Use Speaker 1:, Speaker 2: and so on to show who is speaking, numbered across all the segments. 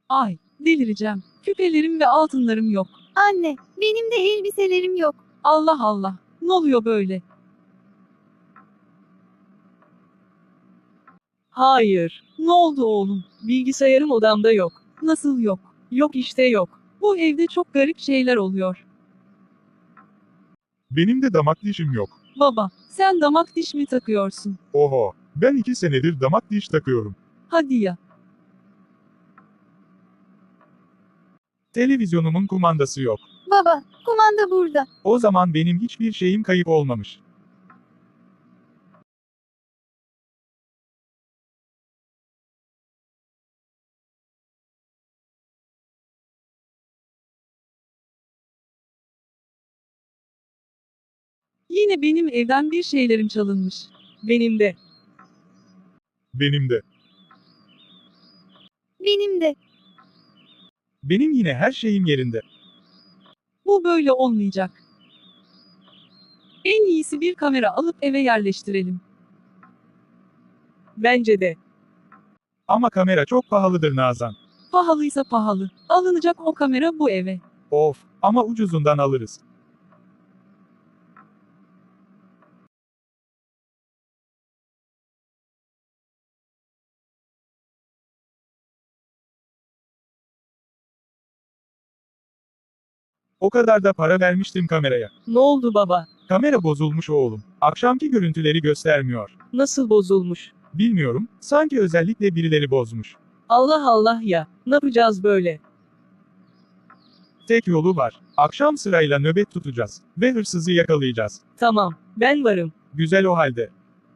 Speaker 1: Ay, delireceğim. Küpelerim ve altınlarım yok.
Speaker 2: Anne, benim de elbiselerim yok.
Speaker 1: Allah Allah. Ne oluyor böyle?
Speaker 3: Hayır.
Speaker 1: Ne oldu oğlum?
Speaker 3: Bilgisayarım odamda yok.
Speaker 1: Nasıl yok?
Speaker 3: Yok işte yok.
Speaker 1: Bu evde çok garip şeyler oluyor.
Speaker 4: Benim de damak dişim yok.
Speaker 1: Baba, sen damak diş mi takıyorsun?
Speaker 4: Oho, ben 2 senedir damak diş takıyorum.
Speaker 1: Hadi ya.
Speaker 4: Televizyonumun kumandası yok.
Speaker 2: Baba, kumanda burada.
Speaker 4: O zaman benim hiçbir şeyim kayıp olmamış.
Speaker 1: Yine benim evden bir şeylerim çalınmış.
Speaker 3: Benim de.
Speaker 4: Benim de.
Speaker 2: Benim de.
Speaker 4: Benim yine her şeyim yerinde.
Speaker 1: Bu böyle olmayacak. En iyisi bir kamera alıp eve yerleştirelim.
Speaker 3: Bence de.
Speaker 4: Ama kamera çok pahalıdır Nazan.
Speaker 1: Pahalıysa pahalı. Alınacak o kamera bu eve.
Speaker 4: Of, ama ucuzundan alırız. O kadar da para vermiştim kameraya.
Speaker 3: Ne oldu baba?
Speaker 4: Kamera bozulmuş oğlum. Akşamki görüntüleri göstermiyor.
Speaker 3: Nasıl bozulmuş?
Speaker 4: Bilmiyorum, sanki özellikle birileri bozmuş.
Speaker 3: Allah Allah ya. Ne yapacağız böyle?
Speaker 4: Tek yolu var. Akşam sırayla nöbet tutacağız. Ve hırsızı yakalayacağız.
Speaker 3: Tamam. Ben varım.
Speaker 4: Güzel o halde.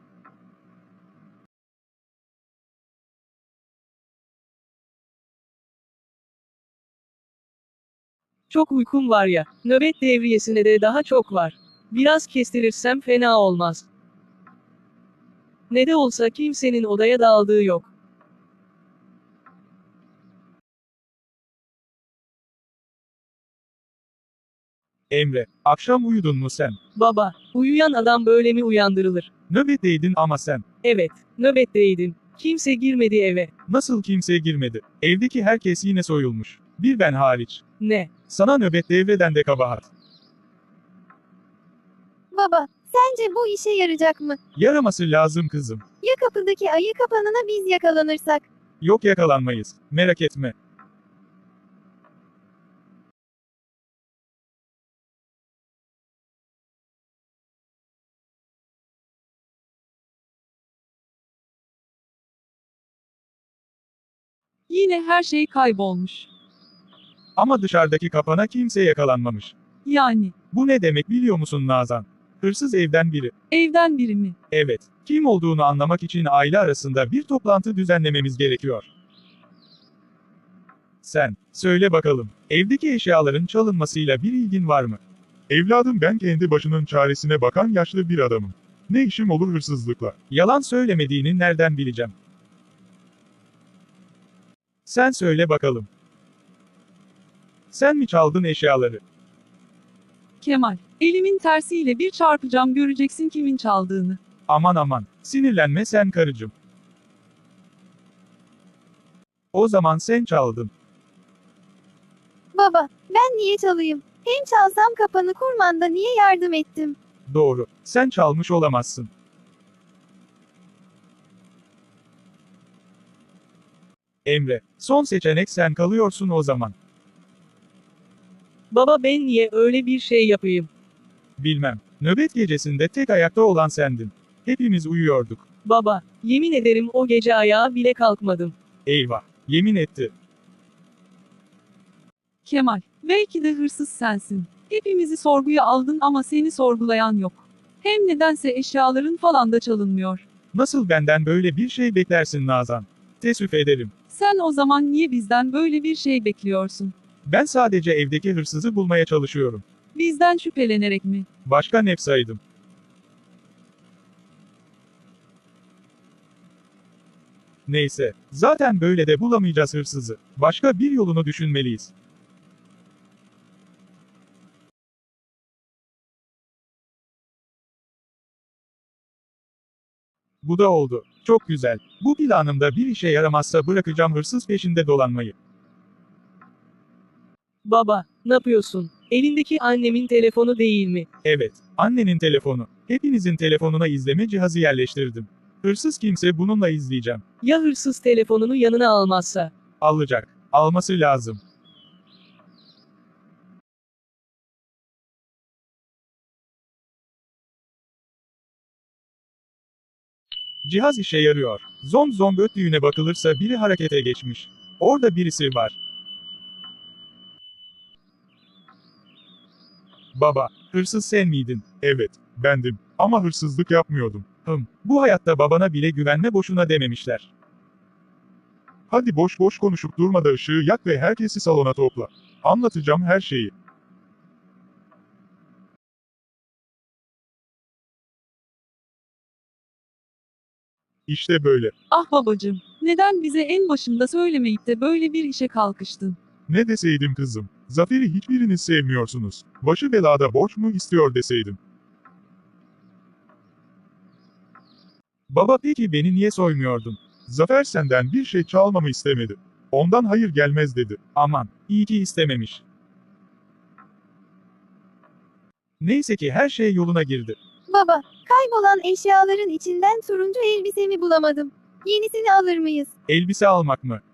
Speaker 3: Çok uykum var ya. Nöbet devriyesine de daha çok var. Biraz kestirirsem fena olmaz. Ne de olsa kimsenin odaya daldığı yok.
Speaker 4: Emre, akşam uyudun mu sen?
Speaker 3: Baba, uyuyan adam böyle mi uyandırılır?
Speaker 4: Nöbetteydin ama sen.
Speaker 3: Evet, nöbetteydim. Kimse girmedi eve.
Speaker 4: Nasıl kimseye girmedi? Evdeki herkes yine soyulmuş. Bir ben hariç.
Speaker 3: Ne?
Speaker 4: Sana nöbet devreden de kabahat.
Speaker 2: Baba, sence bu işe yarayacak mı?
Speaker 4: Yaraması lazım kızım.
Speaker 2: Ya kapıdaki ayı kapanına biz yakalanırsak?
Speaker 4: Yok yakalanmayız. Merak etme.
Speaker 1: Yine her şey kaybolmuş.
Speaker 4: Ama dışarıdaki kapana kimse yakalanmamış.
Speaker 1: Yani,
Speaker 4: Bu ne demek biliyor musun Nazan? Hırsız evden biri.
Speaker 1: evden biri mi?
Speaker 4: Evet. Kim olduğunu anlamak için aile arasında bir toplantı düzenlememiz gerekiyor. Sen, söyle bakalım, evdeki eşyaların çalınmasıyla bir ilgin var mı? Evladım ben kendi başının çaresine bakan yaşlı bir adamım. Ne işim olur hırsızlıkla? Yalan söylemediğini nereden bileceğim? Sen söyle bakalım. Sen mi çaldın eşyaları?
Speaker 1: Kemal, elimin tersiyle bir çarpacağım göreceksin kimin çaldığını.
Speaker 4: Aman aman, sinirlenme sen karıcığım. O zaman sen çaldın.
Speaker 2: Baba, ben niye çalayım? Hem çalsam kapanı kurmanda niye yardım ettim?
Speaker 4: Doğru, sen çalmış olamazsın. Emre, son seçenek sen kalıyorsun o zaman.
Speaker 3: Baba ben niye öyle bir şey yapayım?
Speaker 4: Bilmem, nöbet gecesinde tek ayakta olan sendin. Hepimiz uyuyorduk.
Speaker 3: Baba, yemin ederim o gece ayağa bile kalkmadım.
Speaker 4: Eyvah, yemin etti.
Speaker 1: Kemal, belki de hırsız sensin. Hepimizi sorguya aldın ama seni sorgulayan yok. Hem nedense eşyaların falan da çalınmıyor.
Speaker 4: Nasıl benden böyle bir şey beklersin Nazan? Teessüf ederim.
Speaker 1: Sen o zaman niye bizden böyle bir şey bekliyorsun?
Speaker 4: Ben sadece evdeki hırsızı bulmaya çalışıyorum.
Speaker 1: Bizden şüphelenerek mi?
Speaker 4: Başka ne saydım? Neyse, zaten böyle de bulamayacağız hırsızı. Başka bir yolunu düşünmeliyiz. Bu da oldu. Çok güzel. Bu planımda bir işe yaramazsa bırakacağım hırsız peşinde dolanmayı.
Speaker 3: Baba, ne yapıyorsun? Elindeki annemin telefonu değil mi?
Speaker 4: Evet, annenin telefonu. Hepinizin telefonuna izleme cihazı yerleştirdim. Hırsız kimse bununla izleyeceğim.
Speaker 3: Ya hırsız telefonunu yanına almazsa?
Speaker 4: Alacak. Alması lazım. Cihaz işe yarıyor. Zom zom öttüğüne bakılırsa biri harekete geçmiş. Orada birisi var. Baba, hırsız sen miydin? Evet, bendim. Ama hırsızlık yapmıyordum. Bu hayatta babana bile güvenme boşuna dememişler. Hadi boş boş konuşup durma da ışığı yak ve herkesi salona topla. Anlatacağım her şeyi. İşte böyle.
Speaker 1: Ah babacım, neden bize en başında söylemeyip de böyle bir işe kalkıştın?
Speaker 4: Ne deseydim kızım? Zafer'i hiçbiriniz sevmiyorsunuz. Başı belada borç mu istiyor deseydim. Baba peki beni niye soymuyordun? Zafer senden bir şey çalmamı istemedi. Ondan hayır gelmez dedi. Aman, iyi ki istememiş. Neyse ki her şey yoluna girdi.
Speaker 2: Baba, kaybolan eşyaların içinden turuncu elbisemi bulamadım. Yenisini alır mıyız?
Speaker 4: Elbise almak mı?